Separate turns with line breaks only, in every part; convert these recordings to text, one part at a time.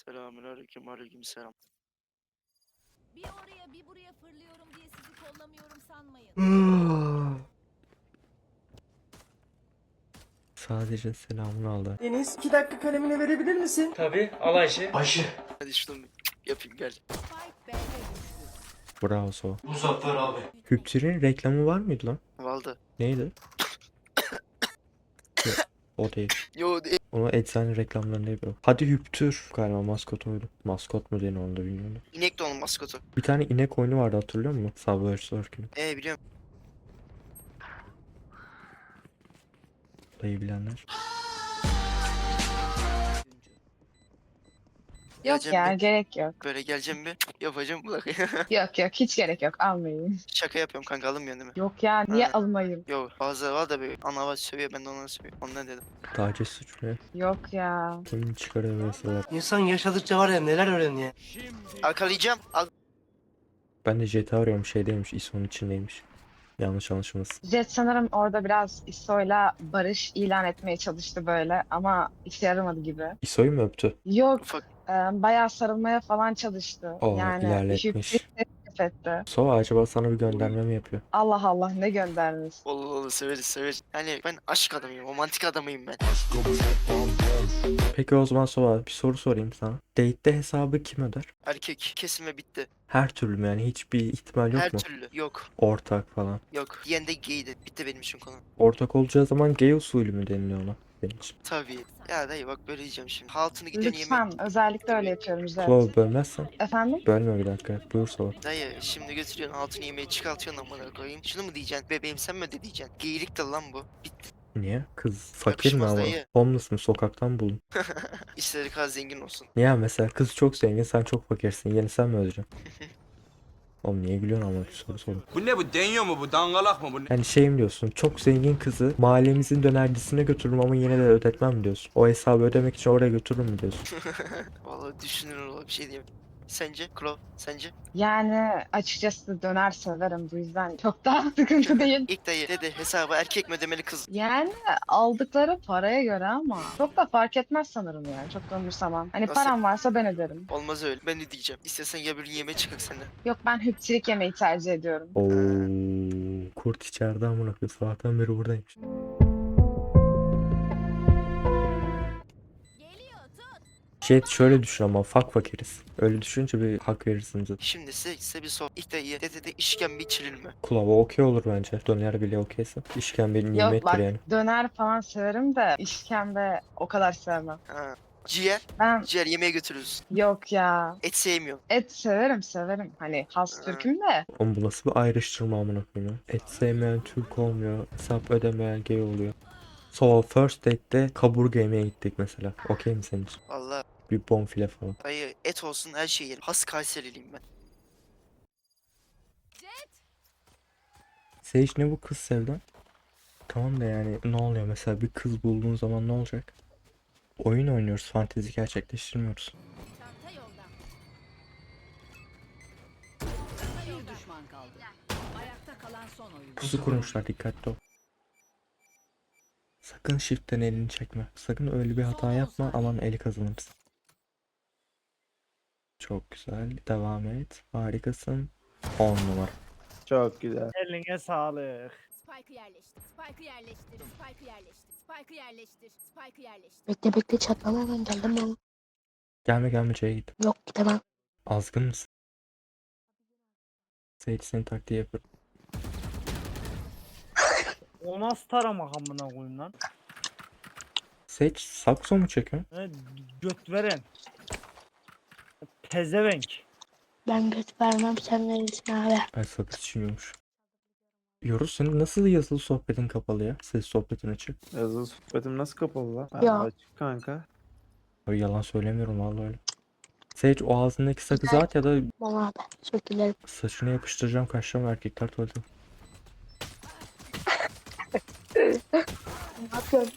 Selamünaleyküm, aleykümselam.
Bir oraya bir buraya fırlıyorum diye sizi kollamıyorum sanmayın.
Sadece selamını aldı.
Deniz 2 dakika kalemini verebilir misin?
Tabii al Ayşe.
Ayşe.
Hadi şunu yapayım gel.
Spike B'de düştü.
Bravo Sova.
Muzaffer abi.
Hüptür'ün reklamı var mıydı lan?
Valda.
Neydi? Yok, o değil.
Yo
Onu eczane reklamlarında yapıyor. Hadi Hüptür. Galiba maskot oydu. Maskot mu deniyor onu da bilmiyorum.
inek de onun maskotu.
Bir tane inek oyunu vardı, hatırlıyor musun? Subway Surfing'in.
Biliyorum.
Dayı bilenler.
Yok
Geleceğim
ya
bir.
gerek yok.
Böyle geleceğim bir. Yapacağım bak.
Yok yok hiç gerek yok almayın.
Şaka yapıyorum kanka, alınmıyorsun değil mi?
Yok ya niye
Ha.
almayayım?
Yo bazı var da bir ana var sövüyor, ben de onları sövüyorum. Ondan dedim.
Taciz suçu ne?
Yok ya.
Kimin çıkarıyor mesela?
İnsan yaşadıkça var ya neler öğreniyor.
Arkalayacağım.
Ben de GTA arıyorum, şeydeymiş, ISO'nun içindeymiş. Yanlış anlaşılmasın.
Jet sanırım orada biraz ISO'yla barış ilan etmeye çalıştı böyle ama işe yaramadı gibi.
ISO'yu mu öptü?
Yok
Ufak.
bayağı sarılmaya falan çalıştı.
Oo,
Yani
ilerletmiş.
teklif etti.
Sova acaba sana bir gönderme mi yapıyor?
Allah Allah ne göndermiş.
Olur severiz severiz. Yani ben aşk adamıyım, romantik adamıyım ben.
Peki o zaman Sova, bir soru sorayım sana. Date'de hesabı kim öder?
Erkek kesime bitti.
Her türlü mü, yani hiçbir ihtimal yok
Her
mu?
türlü. Yok.
Ortak falan.
Yok. Diyen de gaydi. Bitti benim için konu.
Ortak olacağı zaman gay usulü mü deniliyor ona? Benim için.
Tabii. Ya dayı bak böyle diyeceğim şimdi. Altını gidiyorsun
Lütfen özellikle öyle yapıyorum Jet.
Sova bölmezsen.
Efendim?
Bölme bir dakika. Buyur Sova.
Dayı şimdi götürüyorsun altını yemeği çıkartıyorsun amına koyayım. Şunu mu diyeceksin? Bebeğim sen mi öde diyeceksin? Geylik de lan bu. Bitti.
Niye? Kız fakir mi
Yakışmaz
ama?
dayı.
Homeless mı? Sokaktan bulun.
İstediği kadar zengin olsun.
Niye mesela kız çok zengin, sen çok fakirsin. Yeni sen mi ödeyeceksin? Oğlum niye gülüyorsun ama, bir soru sorun.
Bu ne, bu deniyor mu, bu dangalak mı bu?
Yani şey mi diyorsun? Çok zengin kızı mahallemizin dönercisine götürürüm ama yine de ödetmem diyorsun. O hesabı ödemek için oraya götürürüm mü diyorsun?
Vallahi düşünür ola bir şey diyeyim. Sence? Klov sence?
Yani açıkçası döner severim bu yüzden çok daha sıkıntı değil.
İlk dayı dedi hesabı erkek mi ödemeli kız?
Yani aldıkları paraya göre ama çok da fark etmez sanırım yani çok da umursamam. Hani
Nasıl?
param varsa ben öderim.
Olmaz öyle. Ben ödeyeceğim. İstersen ya bir gün yemeğe çıkak seninle.
Yok ben hüpçilik yemeyi tercih ediyorum.
Oo, kurt içeride amına koyayım. Sabahtan beri buradaymış.
Geliyor tut.
Şey şöyle düşün ama fakiriz. Öyle düşününce bir hak verirsin zaten.
Şimdi size bir sor. İlk dayı dedi işkembe içilir mi?
Kulava okey olur bence. Döner bile okeyse. İşkembe
Yok
nimettir
bak
yani.
döner falan severim de işkembe o kadar sevmem.
Ha. Ciğer.
Ben
Ciğer yemeğe götürürüz.
yok ya
Et sevmiyorum.
et severim. Hani has
Ha.
Türk'üm de.
Oğlum bu nasıl bir ayrıştırma amına koyayım ya? Et sevmeyen Türk olmuyor. Hesap ödemeyen gay oluyor. So first date'de kaburga yemeye gittik mesela. Okey mi senin için?
Vallahi
Bir bonfile falan.
dayı et olsun her şeyi yerim. Has Kayseriliyim ben.
Jet.
Sage ne bu kız sevdan? Tamam da yani ne oluyor mesela, bir kız bulduğun zaman ne olacak? Oyun oynuyoruz, fantezi gerçekleştirmiyoruz.
Çanta yolda. Bir düşman kaldı. Ayakta kalan son oyun.
Pusu kurmuşlar, dikkatli ol. Sakın shift'ten elini çekme. Sakın öyle bir hata yapma, aman eli kazanırsın. Çok güzel, devam et. Harikasın. 10 numara.
Çok güzel.
Eline sağlık.
Spike'ı yerleştir. Spike'ı yerleştir. Spike'ı yerleştir. Spike'ı yerleştir. Spike'ı yerleştir.
Bekle bekle çatlama ben geldim ben.
Gelme C'ye git.
Yok gidemem.
Azgın mısın? Sage senin taktiği yapar.
O nasıl taramak amına koyayım lan?
Sage sakso mu çekiyorsun?
Ne göt veren. Pezevenk.
Ben göt vermem sen verirsin abi.
Ay sakız çiğniyormuş. Yoruz, senin nasıl yazılı sohbetin kapalı ya? Ses sohbetin açık.
Yazılı sohbetim nasıl kapalı lan?
Ya.
Açık kanka.
Ay, yalan söylemiyorum vallahi öyle. Sage o ağzındaki sakızı at ya da
Bana abi. Çok dilerim.
saçına yapıştıracağım, kaçacağım, erkekler tuvalete.
Ne yapıyorsun?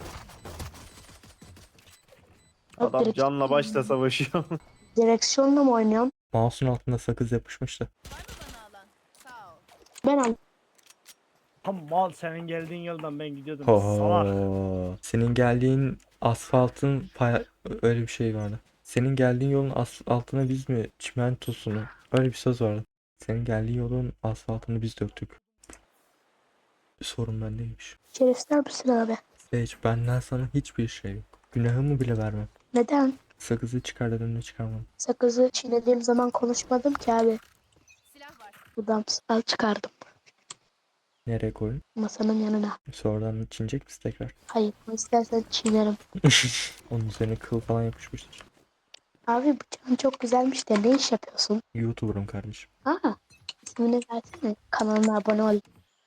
Yok,
Adam canla başla savaşıyor.
direksiyonla mı oynuyorsun?
Mouse'un altında sakız yapışmıştı.
Var mı bana alan? Sağ ol.
Ben al.
Tam mal senin geldiğin yoldan ben gidiyordum. Salak.
Oho. Senin geldiğin asfaltın öyle bir şey vardı. Senin geldiğin yolun asfaltını biz mi çimentosunu? Öyle bir söz vardı. Senin geldiğin yolun asfaltını biz döktük. Sorun bendeymiş.
İçeri misin abi?
Hiç benden sana hiçbir şey yok. Günahımı bile vermem.
Neden?
Sakızı çıkar dedim de çıkarmam.
Sakızı çiğnediğim zaman konuşmadım ki abi.
Silah var.
Buradan al çıkardım.
Nereye koyun?
Masanın yanına.
Sonradan çinecek misin tekrar?
Hayır, ama istersen çiğnerim.
Onun üzerine kıl falan yapışmıştır.
Abi bıçağın çok güzelmiş de ne iş yapıyorsun?
YouTuber'ım kardeşim.
Aa, ismini versene. Kanalına abone ol.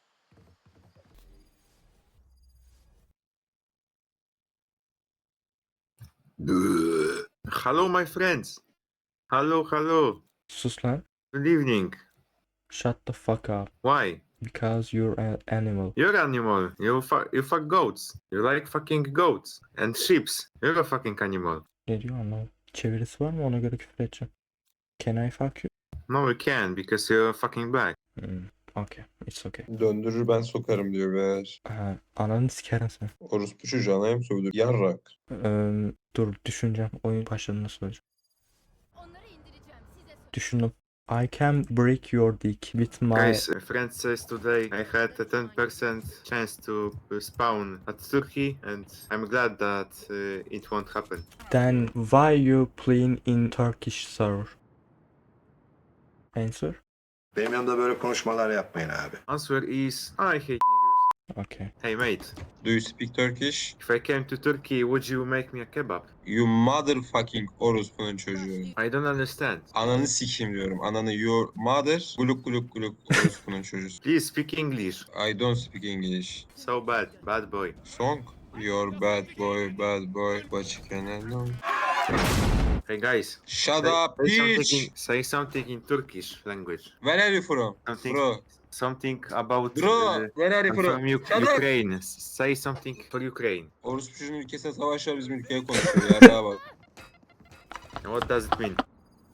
Hello, my friends. Hello, hello.
Sus lan.
Good evening.
Shut the fuck up.
Why?
Because you're an animal.
You're animal. You fuck goats. You like fucking goats and sheeps. You're a fucking animal.
Ne diyor anlamadım. Çevirisi var mı, ona göre küfür edeceğim. Can I fuck you?
No, you can because you're fucking black.
Okay. It's okay.
Döndürür ben sokarım diyor beyler.
Ananı sikerim seni.
Orospu çocuğu anaya mı sövdür? Yarrak.
Dur düşüneceğim. Oyun başladığında söyleyeceğim.
Onları indireceğim. Size söyle.
Düşündüm. I can break your dick with my...
Guys, a friend says today I had a 10% chance to spawn at Turkey and I'm glad that it won't happen.
Then why you playing in Turkish server? Answer?
Benim yanımda böyle konuşmalar yapmayın abi.
Answer is I hate niggers.
Okay.
Hey mate,
Do you speak Turkish?
if I came to Turkey, would you make me a kebab?
You motherfucking orospunun çocuğu.
I don't understand.
Ananı sikeyim diyorum. Ananı your mother gluk gluk gluk orospunun çocuğu.
Please speak English.
I don't speak English.
So bad, bad boy.
Song? You're bad boy, but you can alone.
Hey guys,
Shut up, bitch!
say something in Turkish language.
Where are you from?
Something,
Bro,
something about
bro, where are you
I'm
from?
from
Shut up!
Ukraine. Say something for Ukraine.
Orospu çocuğun ülkesine savaş var, bizim ülkeye konuşuyor. Yarrağa bak.
What does it mean?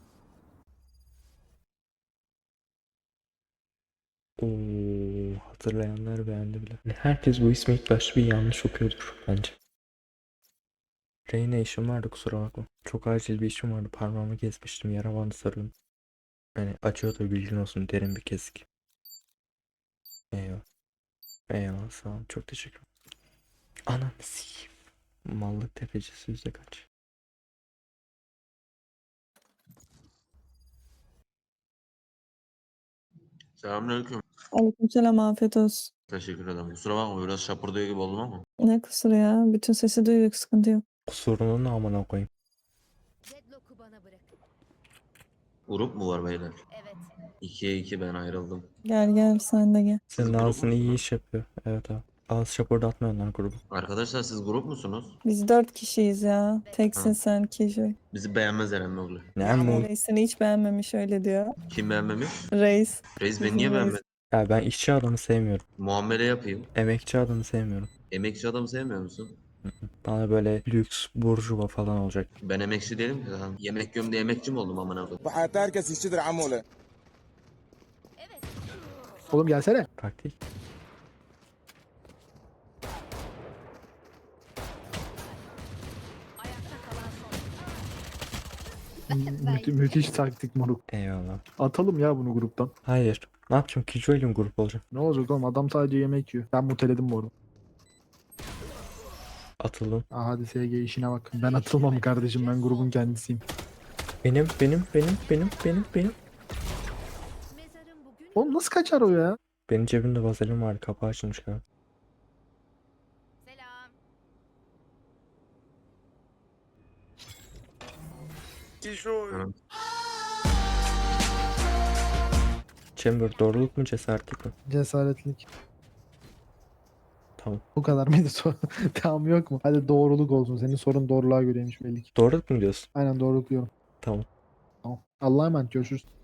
Hatırlayanlar beğendi bile. Herkes bu ismi ilk başta bir yanlış okuyordur bence. Reyna işim vardı, kusura bakma. Çok acil bir işim vardı, parmağımı kesmiştim, yara bandı sarıyorum. Yani acıyor da bilgin olsun, derin bir kesik. Eyvallah. Eyvallah, sağ ol, çok teşekkür ederim. Ananı sikeyim. Mallık tefecisi yüzde kaç?
Selamünaleyküm.
Aleykümselam, afiyet olsun.
Teşekkür ederim. Kusura bakma biraz şapırdıyor gibi oldum ama.
Ne kusuru ya? Bütün sesi duyduk, sıkıntı yok.
Kusurunu ne amına koyayım.
Deadlock'u bana bırak.
Grup mu var beyler?
Evet.
2'ye 2 ben ayrıldım.
Gel sen de gel.
Senin
grup
ağzın iyi
musunuz?
iş yapıyor. Evet abi. Ağız şapırdatmıyor onlar grubu.
Arkadaşlar siz grup musunuz?
Biz 4 kişiyiz ya. Teksin
Ha.
sen kişi.
Bizi beğenmez Eren ne oluyor?
Ne
Ama
mu?
reisini hiç beğenmemiş öyle diyor.
Kim beğenmemiş?
Reis.
Reis beni
Bizim
niye
reis.
beğenmedi?
Ya ben işçi adamı sevmiyorum.
Muamele yapayım.
Emekçi adamı sevmiyorum.
Emekçi adam sevmiyor musun?
Bana böyle lüks, burjuva falan olacak.
Ben emekçi değilim ki zaten. Yemek yiyorum diye emekçi mi oldum amına koyayım?
Evet.
Oğlum gelsene.
Taktik.
Ayakta kalan son.
Müthiş taktik moruk.
Eyvallah.
Atalım ya bunu gruptan.
Hayır. Ne yapacağım? Killjoy ile mi grup olacağım?
Ne olacak oğlum, adam sadece yemek yiyor. Ben muteledim bu arada.
Atıldım.
Hadi SG işine bak. Ben atılmam kardeşim, ben grubun kendisiyim.
Benim.
Mezarım bugün.
Oğlum nasıl kaçar o ya?
Benim cebimde vazelin vardı. Kapağı açılmış galiba.
Selam.
Chamber doğruluk mu cesaretlik mi?
Cesaretlik.
Tamam.
Bu kadar mıydı soru? Tamam, yok mu? Hadi doğruluk olsun. Senin sorun doğruluğa göreymiş belli ki.
Doğruluk mu diyorsun?
Aynen, doğruluk diyorum.
Tamam.
Tamam. Allah'a emanet, görüşürüz.